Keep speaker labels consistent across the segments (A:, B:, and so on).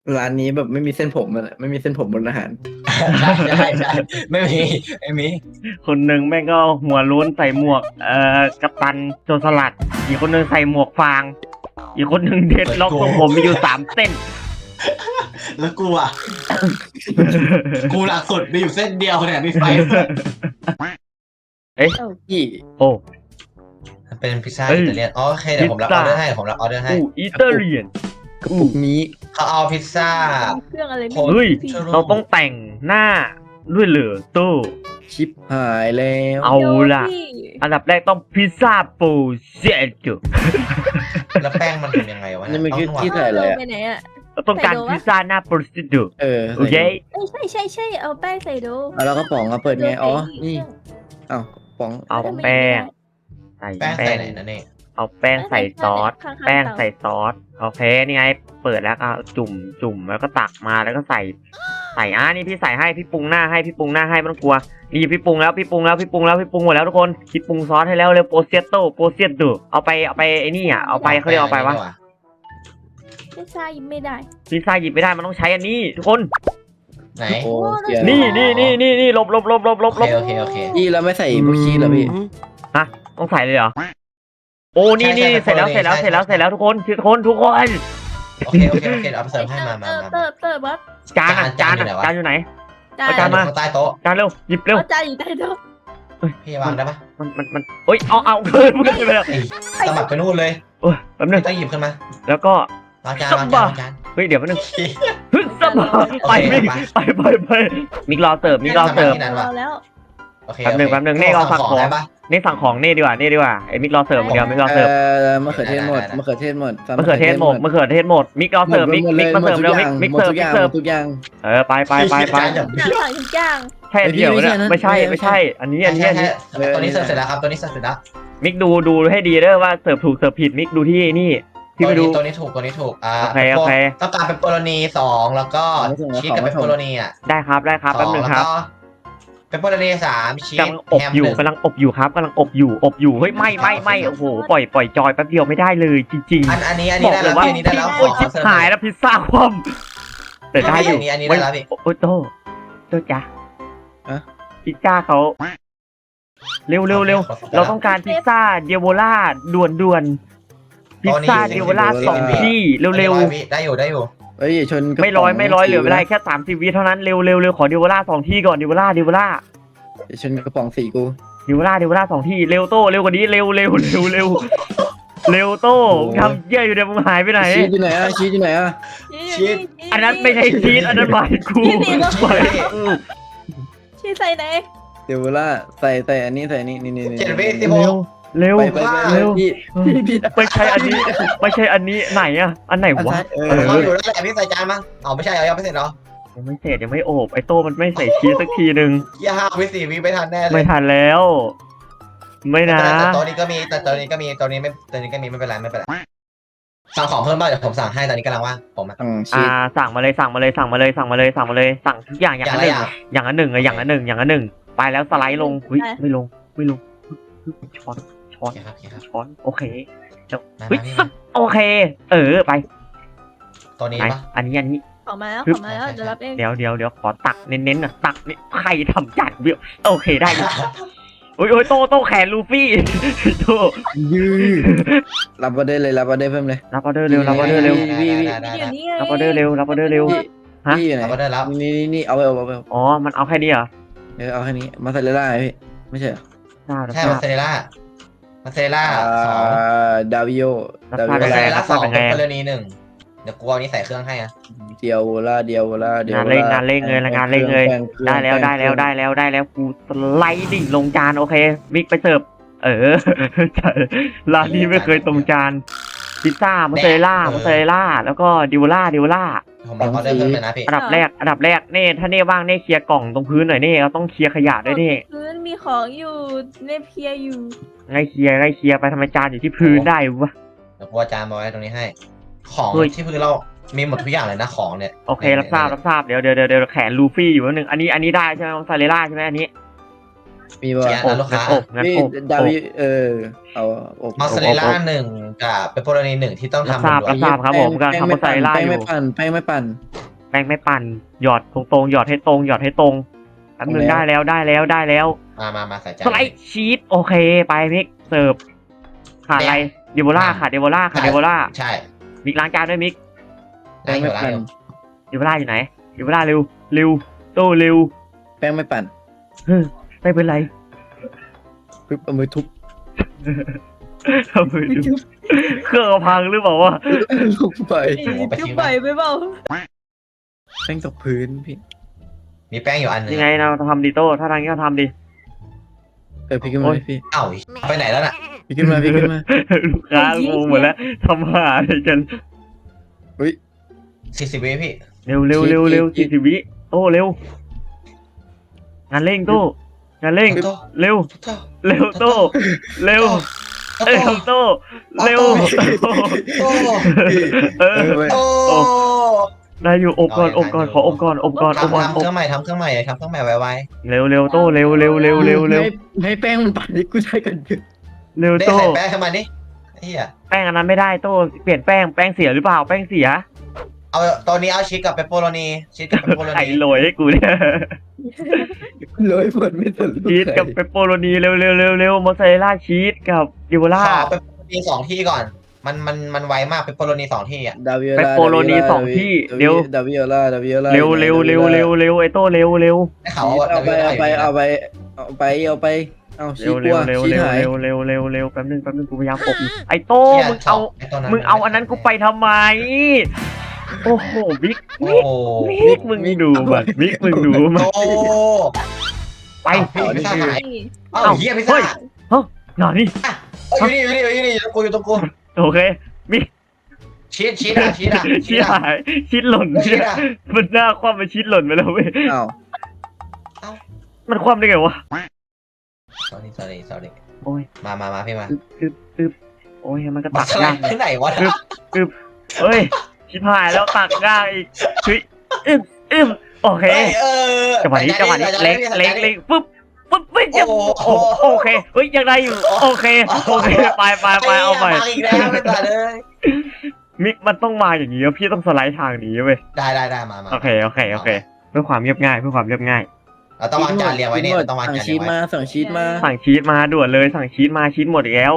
A: ร้านนี้แบบไม่มีเส้นผมมันไม่มีเส้นผมบนอาหาร
B: ใช่ไม่มี
C: คนหนึ่งแม่งก็หัวโล้นใส่หมวกกัปตันโจรสลัด อีกคนหนึ่งใส่หมวกฟาง อีกคนหนึ่งเด็ดล็อกทรงผมมีอยู่3 เส้น
B: แล้วกูอ่ะ กูหลักสุดมีอยู่เส้นเดียวเนี่ยมีไฟ
A: พี่
C: โอ้
B: เป็นพิซซ่า
C: เฮ้ย
B: อิตาเลียนอ๋อโอเคเดี๋ยวผมรับออเดอร์ให้ผมรับออเดอร์ให้
C: อิตาเลียน
A: กระปุกนี้
B: เขาเอาพิซซ่า
D: เครื่องอะไรไม่
B: โอ้
C: เฮ้ย
D: พี่
C: เราต้องแต่งหน้าด้วยเหลือตู้
A: ชิปหายแล้ว
C: เอาล่ะ
D: พี่
C: อันดับแรกต้องพิซซ่าปูเซจู
B: แล้วแป้งมันทำยังไงวะ
A: นี่มันคือ
B: ต้องนวด
A: ที่ใส่อะไรอ่ะ
D: ไปไหนอ่ะ
C: เราต้องการพิซซ่าหน้าโปรสติดู
A: เออ
C: โอเค
D: ใช่เอาแป้งใส่ดู
A: เอาแล้วกระป๋องมาเปิดไงอ๋อนี่อ้าวกระป๋อง
C: เอาแป้งใส่
B: แป้ง
C: แป้
B: ใส่
C: ง
B: ไหนนะเนี่ย
C: เอาแป้งใส่ซอส
D: ข้างๆ
C: แป้ง
D: เตา
C: ใส่ซอส โอเค นี่ไง เปิดแล้วก็จุ่มแล้วก็ตักมาแล้วก็ใส่นี่พี่ใส่ให้พี่ปรุงหน้าให้ไม่ต้องกลัว นี่พี่ปรุงแล้วพี่ปรุงหมดแล้วทุกคนคิดปรุงซอสให้แล้วเร็วโปเซียโตเอาไปไอ้นี่อ่ะเอาไปเขาเรียกเอาไปวะ
D: ไม่ใช่ไม่ได้
C: พิซซ่าหยิบไม่ได้มันต้องใช้อันนี้ทุกคน
B: ไหน
A: โอ้เสีย
C: นี่หลบ
B: โอเค
A: พี่แล้วไม่ใส่พวกชีสเหรอพี่
C: ต้องใส่เลยเหรอ โอ้นี่
B: ใช่
C: เสร็จแล้วทุกคนทุกคน
B: โอเคเอาไปเสิร์ฟให้มา
D: เติร์วัด
C: จาน
B: จานอยู่ไหนวะ
C: จานอยู่ไหน
D: จา
C: เอาจาน
D: น
C: มา
B: ข้างใต้โต๊ะ
C: จานเร็วหยิบเร็ว
D: จานอยู่ใต้โต๊ะ
B: พี่วางได้ปะ
C: มันเอ้ยเอาเกินไปแล้ว
B: สมัครไปนู่นเลย
C: โอ้ยแป๊บนึง
B: ต้องหยิบขึ้นมา
C: แล้วก็
B: วางจาน
C: เฮ้ยเดี๋ยวแป๊บนึงฮึดสบายไปมิกรอเสิร์ฟ
D: เราแล้ว
B: โอเค
C: แป๊บนึงนี่เราสั่งของ
B: ได้ปะ
C: นี่สั่งของนี่ดีกว่าไอ้มิกรอเสิร์ฟเดี๋ยวมิกรอเสิร์ฟ
A: มะเขือเทศหมดมะเขือเทศหมด
C: มะเขือเทศหมดมิกรอเสิร์ฟมิกมาเสิร์ฟเร็วมิกเสิร์ฟ
A: ทุกอย่าง
C: ไป
D: สั่งทุกอย่าง
C: ใช่อันเดียวเนี่ยไม่ใช่ อันนี้
B: ตัวนี้เสิร์ฟเสร็จแล้วครับตัวนี้เสิร์ฟเสร็จแล้ว
C: มิกดูให้ดีเด้อว่าเสิร์ฟถูกเสิร์ฟผิดมิกดูที่นี่พี่ไปดู
B: ตัวนี้ถูก
C: โอเค
B: ต้องการเปปเปอโรนี2แล้วก็ชีสกับเปปเปอโรนีอ่ะ
C: ได้ครับแป๊บนึงครับ
B: เปปเปอโรนี3ชีส
C: กำลังอบอยู่กำลังอบอยู่เฮ้ยไม่โอ้โหปล่อยจอยแป๊บเดียวไม่ได้เลยจริง
B: อันนี้
C: บอก
B: ได้
C: เล
B: แล้
C: ยว ว่า
B: อันนี้ได้แล้ว
C: โอ้ยชิบหายแล้วพิซซ่าคว่ำแต่ได้อยู่
B: อันนี้ได้แล้วพี่
C: โอ้โตจ้ะพิซซ่าเขาเร็วเราต้องการพิซซ่าเดียโบล่าด่วนพิซซ่าเดียโบล่า2 ที่เร็ว
B: ได้อยู่
A: เฮ้ยชน
C: ไม่ร้อยเหลือเวลาแค่30 วิเท่านั้นเร็วขอเดียโบล่า2 ที่ก่อนเดียโบล่า
A: ชนกระป๋องสีกู
C: เดียโบล่า2 ที่เร็วโตเร็วกว่านี้เร็วโตทำเยี่ยอยู่เดี๋ยวมึงหายไปไหน
A: ชีสอยู่ไหนอ่ะชีสอยู่ไหนอ่ะ
C: อันนั้นไม่ใช่ชีสอันนั้นหมายกูหมายกู
D: ชี้ใส่ไหน
A: เดี๋ยวล่าใส่อันนี้ใส่นี่
B: 7 วิ
C: เร็ว
A: ไปพี่
C: ไม่ใช่อันนี้ไหนอ่ะอันไหนวะ
B: เขาอยู่แล้วแต่พี่ใส่จานมั้งไม่ใช่ยังไม่เสร็จเหรอ
C: ยังไม่เสร็จยังไม่โอบไอโต้มันไม่ใส่ชีสสักทีนึง
B: 5 วิ 4 วิไม่ทันแน่เลย
C: ไม่ทันแล้ว ไม่นะ
B: แต่ตัวนี้ก็มีไม่เป็นไรสั่งของเพิ่มบ้างเดี๋ยวผมสั่งให้ตอนนี้กำลังว่างผม
A: ชีส
C: สั่งมาเลยสั่งทุกอย่างอย่างละหนึ่งไปแล้วสไลด์ลงไม่ลงช้อนโอเคโอเคไป
B: ตัวนี้ปะ
C: อันนี้
D: ออกมาแล้วเดี๋ยวรับเอง
C: เดี๋ยวขอตักเน้นๆหน่อยตักนี่ใครทำจานเบี้ยวโอเคได้โอ้ยโตแขนลูฟี่โต
A: ยืดรับออเดอร์เพิ่มเลย
C: รับออเดอร์เร็วรับออเดอร์เร็ว
D: อยู่นี่
C: รับออเดอร์เร็ว
A: พี่อยู่ไหน
B: เอาได้แล้ว
A: นี่เอาไป
C: อ๋อมันเอาแค่นี้เหรอ
A: เอาแค่นี้มาใส่เลยได้พี่ไม่ใช่
B: ใช่มาเซเรล่า
A: 2ดาวิโอ
B: มาเซเรล่า2เป็นกรณี1เดี๋ยวกูเอานี้ใส่เครื่องให้อะ
A: เดียวล่าง
C: านเร่งเลยได้แล้วกูสไลด์ดิ่งลงจานโอเคมิกไปเสิร์ฟร้านนี้ไม่เคยตรงจานพิซซ่ามาเซเรล่าแล้วก็ดิวล่า
B: ผมรับออเดอร์เพิ่มเลยนะพี่
C: อันดับแรกเน่ถ้าเน่ว่างเน่เคลียร์กล่องตรงพื้นหน่อยเน่เราต้องเคลียร์ขยะด้วยเน่
D: พื้นมีของอยู่เนเพียอยู่
C: ไล่เคลียร์ไปทำไมจานอยู่ที่พื้นได้วะ
B: เดี๋ยวกูเอาจานมาไว้ตรงนี้ให้ของที่พื้นเรามีหมดทุกอย่างเลยนะของเนี่ย
C: โอเครับทราบเดี๋ยวแขนลูฟี่อยู่นิดนึงอันนี้ได้ใช่ไหมมอสซาเรลล่าใช่ไหมอันนี้
A: มีป่ะ
B: เขียน
C: อบ
B: ลูกค้า
C: งั้น
A: พี่
C: อบ
A: ดา
C: อบ
A: วิเอาอบ
B: มอสซาเรลล่าหนึ่งกับเปปเปอโรนีหนึ่งที่ต้อง
C: รับ
B: ทำ
C: ทราบ
B: ด่ว
C: รับ
B: น
C: ทราบครับผมกำลังทำมอสซาเรลล่า
A: แป้ง
C: อยู่
A: ไม่ปั่นแป้งไม่ปั่น
C: แป้งไม่ปั่นหยอดตรงๆหยอดให้ตรงหยอดให้ตรงแป๊บนึง
A: ตรงแล้ว
C: ได้แล้วได้แล้วได้แล้ว
B: มาใส่จาน
C: สไลด์ชีสโอเคไปมิกเสิร์ฟขาดอะไรเดโบล่าขาดเดโบล่าขาดเดโบล่า
B: ใช่
C: มิกล้างจานด้วยมิก
A: แป้งไม่ปั่น
C: เดโบล่าอยู่ไหนเดโบล่าเร็วเร็วโตเร็ว
A: แป้งไม่ปั่น
C: เฮ้ยไม่เป็นไร
A: ปึ๊บเอามือทุบ
C: ทำไมดูเครื่องพังหรือเปล่าวะ
A: ลงไป
D: จุ๊บไปไปเปล่า
A: แป้งตกพื้นพี่
B: มีแป้งอยู่อันหนึง
C: ยังไงเราทำดิโต้ถ้าทางนี้เราทำดิ
A: พี่ขึ้นมาพี่
B: เอ้าไปไหนแล้วน่ะ
A: พี่ขึ้นมาพี่ขึ้นมา
C: ลูกค้างงหมดแล้วทำหาอะไรกัน
B: 40 วิพี่
C: เร็วเร็วเร็วเร็ว
A: ชีส
C: 40 วิโต้เร็วงานเร่งโต้งานเร่ง
B: โต้
C: เร็ว
B: โต้
C: เร็วโต้เร็วเร็วโต้เร็ว
B: โต้
C: เออ
B: โต้
C: ได้อยู่อบก่อนอบก่อนขออบก่อนอบก่อนอบ
B: ทำ
C: ก่อน
B: ทำเครื่องใหม่ทำเครื่องใหม่ทำเครื่องใหม่ไว
C: เร็วเร็วโต้เร็วเร็วเร็วเร็วเร็ว
A: ให้แป้งมันปั่นให้กูใช้กันเถอะ
C: เร็ว
B: ๆได้
C: โต้
B: ใส่แป้งเข้ามาดิเฮีย
C: แป้งอันนั้นไม่ได้โต้เปลี่ยนแป้งเสียหรือเปล่าแป้งเสีย
B: เอาตอนนี้เอาชีสกับเปปเปอโรนีชีสกับเปปเปอโร
C: ไข่
B: นี
C: โรยให้กูเนี่ย
A: เลยหมดไม่สนลูก
C: ชีสกับเปปเปอโรนีเร็วเร็วเร็วเร็วมอสซาเรลล่าชีสกับดิโบล่า
B: ขอเปปเปอโรนี2 ที่ก่อนมันไวมากเปปเปอโรนี2 ที่อ่ะ
A: ดาวิโอ
C: เปป
A: ลา
C: โปโรนีสองที่เร็ว
A: ดาวิโอลาดาวิโอลา
C: เร็วเร็วเร็วเร็วเร็วไอโต้เร็วเร็ว
B: ได้ข่าวว่า
A: เอาไป
B: WLA
A: เอาไป
B: อยู่
A: เอา
B: นะ
A: ไปเอาไปเอาไปเอาชี
C: เร็ว
A: ก
C: เร็
A: ลั
C: ว
A: ว
C: เร็ว
A: ชี
C: เร็ว
A: หาย
C: เร็วเร็วเร็วเร็วแป๊บนึงกูพยายามอบอยู่ไอโต้
B: เหี้ย
C: มึงเอาอันนั้นกูไปทำไมโอ้โหบิ๊ก
B: โอ้
C: บิ๊กมึงดูมันบิ๊กมึงดูมัน
B: โอ้
C: ไป
B: พี่พิซซ่าหาย
D: นี่
B: เอ้าเฮียพิซซ่า
C: หน่อยนี่
B: อยู่ตรงกู
C: โอเคบิ๊ก
B: ชีสอ่ะ
C: ชีสหายชีสหล่น
B: ชีสอ่ะ
C: มันหน้าคว่ำไปชีสหล่นไปแล้วเว้ย
A: อ้าว
C: มันคว่ำได้ไงวะ
B: sorry
C: โอ้ย
B: มาพี่มา
C: ตึ๊บโอ้ยมันก็
B: มา
C: ตัก
B: สไล
C: ยาก
B: ด์ที่ไหนวะ
C: เฮ้ยชิบหายแล้วตักยากอีกเฮ้ยอึ้มโอเคจังหวะนี้เล็กปุ๊บไม่จะโอเคเฮ้ยยังได้อยู่โอเคไปเอาใหม่
B: อีกแล้วไม่ต่อเลย
C: มิกมันต้องมาอย่างนี้พี่ต้องสไลด์ทางนี้เว้ย
B: ได้มา
C: โอเคเพื่อความเรียบง่าย
B: เราต้องวางจานเรียงไว้เนี่ยต้องวาง
A: สั่ง
B: จาน
A: ชี
B: เรีย
A: ส
B: งไว้
A: มาสั่งชีสมา
C: สั่งชีสมาด่วนเลยสั่งชีสมาชีสหมดอีกแล้ว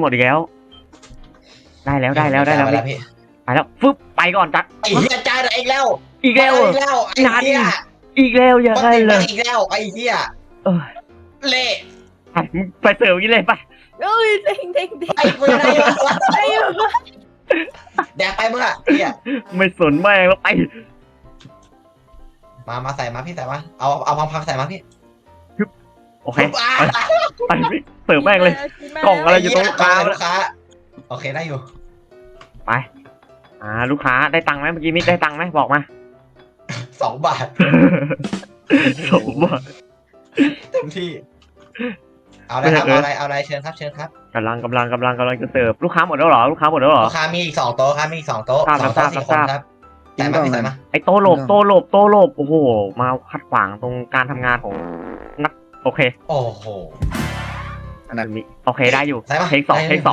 C: ได้แล้วไปแล้วฟึบไปก่อนจัด
B: ไอ้เหี้ยจานอีกแล้ว
C: อีกแล้ว
B: ไอ้เหี้ย
C: อีกแล้วอย่าให้เลย
B: อีกแล้วไอ้เหี้ย
C: เออ
B: เละ
C: ไปมึงไปเสิร์ฟกินเลยไป
D: เอ้ยเด้ง
B: ไอ้กูยังได้อยู่
D: ได้อยู่
B: แดกไปมึงอ่ะเหี้ย
C: ไม่สนแม่งแล้วไป
B: มาใส่มาพี่ใส่มาเอาพังใส่มาพี่
C: โอเคไปพี่เสิร์ฟแม่งเลย กล่องอะไรอยู่ตรง
B: ลูกค้าโอเคได้อยู่
C: ไปลูกค้าได้ตังค์ไหมเมื่อกี้มิกได้ตังค์ไหมบอกมา
B: 2 บาท
C: สมบัติ
B: เต็มที่เอาอะไรครับเอาอะไรเชิญครับ
C: กำลังจะเสิร์ฟลูกค้าหมดแล้วเหรอลูกค้ามีอีก
B: 2 โต๊ะครับมีอีก 2 โต๊ะ 2 โต๊ะ 4 คนครับใส่มา
C: ไอ้โตหลบโอ้โหมาขัดขวางตรงการทำงานของนักโอเค
B: โอ้โห
A: อันนั้น
C: โอเคได้อยู่
B: ใส่มา
C: เทคสอง
B: แอค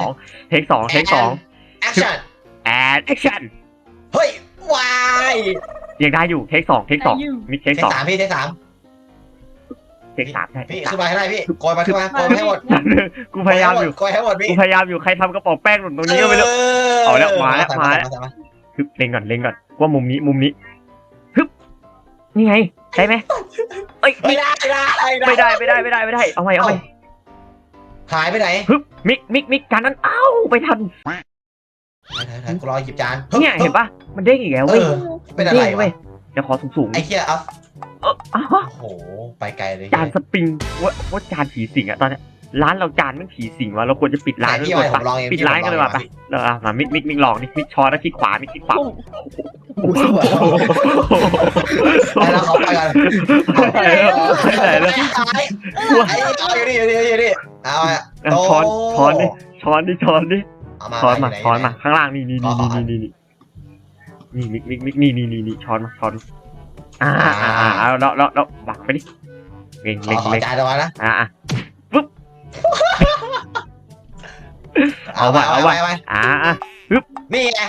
B: ชั่น
C: แอคชั่น
B: เฮ้ย วาย
C: ยังได้อยู่เทคสองมิกเทค
B: เทค
C: สอง
B: 3พี่เทค 3
C: เทคสามใช่
B: พี่ขึ้นมาให้ได้พี่โกยมาให้หมด
C: กูพยายามอยู่
B: โกยให้หมดพี่
C: ใครทำกระป๋องแป้งหล่นตรงนี้ก็ไม่รู้ เอาแล้วมาแล้วฮึบเล็งก่อนว่ามุมนี้ฮึบนี่ไงได้ไหมเอ้ย
B: ไม่ได้
C: เอาใหม่
B: หายไปไหน
C: ฮึบมิกการนั้นเอ้าไปทัน
B: กูรอหยิบจาน
C: เนี่ยเห็นปะมันเด้งอีกแล้วเว้ย
B: เป็นอะไร
C: เว้
B: วะ
C: ยเดี๋ยวขอสูง
B: ไอ้เหี้ยเอา
C: โอ้โห
B: ไปไกลเลย
C: จานสปริงว่าจานผีสิงอะตอนนี้ร้านเราจานมันผีสิงวะเราควรจะปิดร้านด้วย
B: พี่
C: ก่อน
B: ผ
C: ปะ
B: มลองเอง
C: ปิดร้านกันเลยว่ะไปมามิกลองนี่มิกช้อนแล้วคลิกขวามิกคลิกขวา
A: กูสว่าง
B: ไปแล้วเขาไปกัน
C: ไปไหนแล้ว
B: เอาอยู่นี่เอา
C: ช้อนดิช้อนมาข้างล่างนี่มิกช้อนมาแล้วบักไปดิเล็ง
B: ข
C: เล็ง
B: อ
C: เล็ง
B: จานตัวนะ
C: อ่ะปึ๊บ
B: เอาไว้ นี่ไง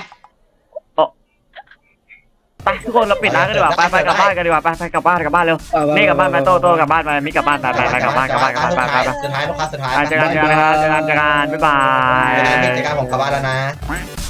C: ไปทุกคนเราปิดร้านกันดีกว่าไปกลับบ้านกันดีกว่าไปกลับบ้านเร็วนี่กลับบ้านไปโตกลับบ้านไปมิกลับบ้านไปกลับบ้านไป
B: สุดท้ายลูกค้าสุดท้าย
C: เจอกันบ๊ายบาย
B: เจอกันผมกลับบ้านแล้วนะ